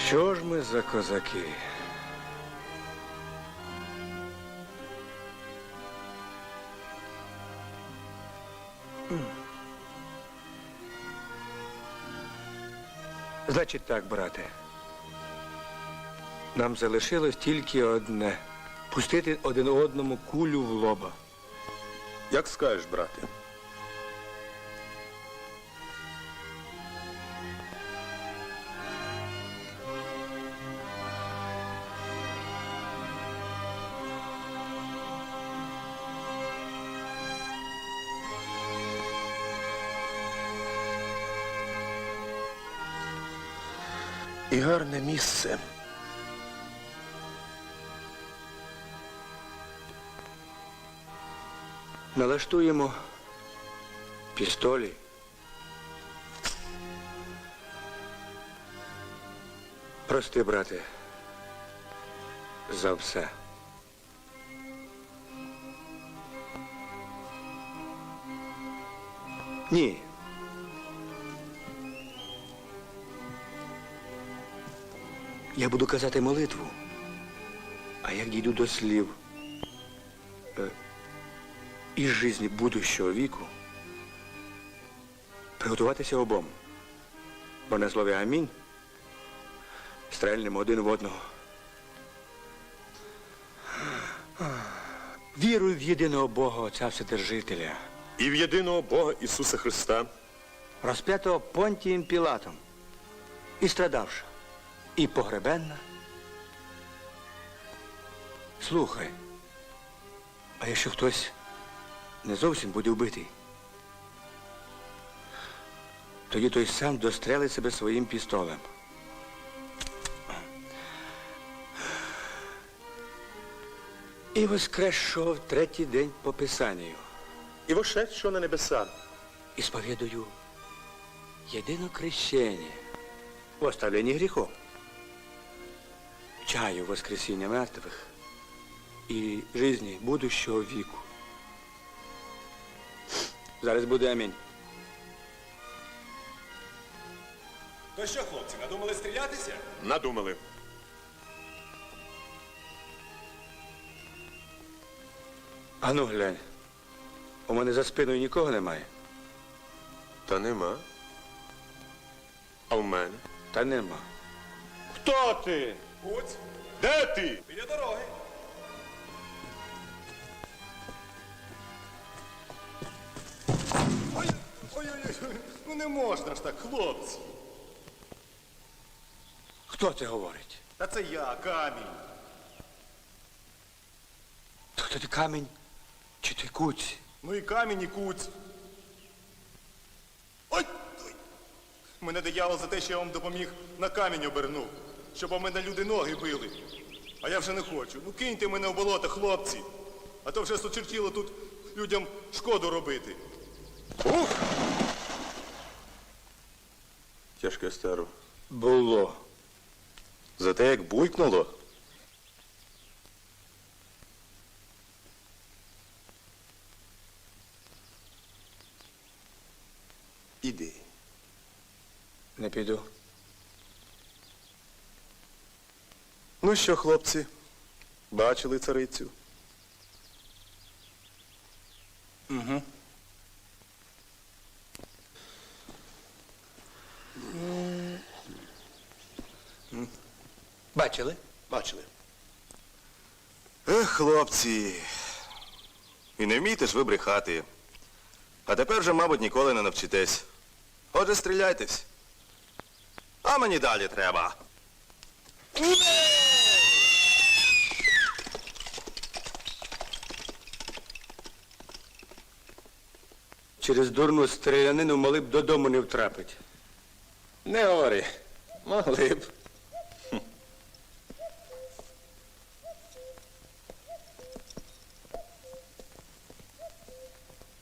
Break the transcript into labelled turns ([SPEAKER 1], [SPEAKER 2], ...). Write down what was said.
[SPEAKER 1] Що ж ми за козаки? Значить так, брате. Нам залишилось тільки одне. Пустити один одному кулю в лоба.
[SPEAKER 2] Як скажеш, брате. І гарне місце.
[SPEAKER 1] Налаштуємо пістолі. Прости, брате, за все. Ні. Я буду казати молитву, а як дійду до слів із жизни будущого віку, приготуватися обом. Бо на слові амінь стрельнемо один в одного. Вірую в єдиного Бога, Отця Вседержителя,
[SPEAKER 2] І в єдиного Бога Ісуса Христа,
[SPEAKER 1] розп'ятого Понтієм Пілатом, і страдавши, і погребенна. Слухай, а якщо хтось не зовсім буде вбитий, тоді той сам дострелить себе своїм пістолем. І воскресшого в третій день по Писанню.
[SPEAKER 2] і вошедшого на небеса,
[SPEAKER 1] І сповідую єдине крещення в оставленні гріхов, чаю воскресіння мертвих і жизни будущого віку. Зараз буде амінь.
[SPEAKER 3] То що, хлопці, надумали стрілятися?
[SPEAKER 2] надумали.
[SPEAKER 1] Ану, глянь, у мене за спиною нікого немає.
[SPEAKER 2] Та нема. А в мене?
[SPEAKER 1] Та нема.
[SPEAKER 2] Хто ти?
[SPEAKER 3] Куць,
[SPEAKER 2] Де ти?
[SPEAKER 3] біля дороги. Ой-ой-ой, ну не можна ж так, хлопці.
[SPEAKER 1] Хто це говорить?
[SPEAKER 3] Та це я, камінь.
[SPEAKER 1] То хто ти, камінь чи ти куць?
[SPEAKER 3] Ну і камінь, і куць. Ой! Ой! Мене диявол за те, що я вам допоміг, на камінь обернув, щоб у мене люди ноги били. А я вже не хочу. Ну киньте мене в болото, хлопці. А то вже сочертіло тут людям шкоду робити.
[SPEAKER 2] Тяжке старо.
[SPEAKER 1] Було.
[SPEAKER 2] За те, як буйкнуло. Іди.
[SPEAKER 1] Не піду.
[SPEAKER 2] Ну що, хлопці, бачили царицю?
[SPEAKER 1] Угу. Бачили?
[SPEAKER 2] Бачили. Ех, хлопці. І не вмієте ж ви брехати. А тепер вже, мабуть, ніколи не навчитесь. Отже, стріляйтесь. А мені далі треба.
[SPEAKER 1] Через дурну стрілянину могли б додому не втрапити.
[SPEAKER 2] Не говори. Могли б.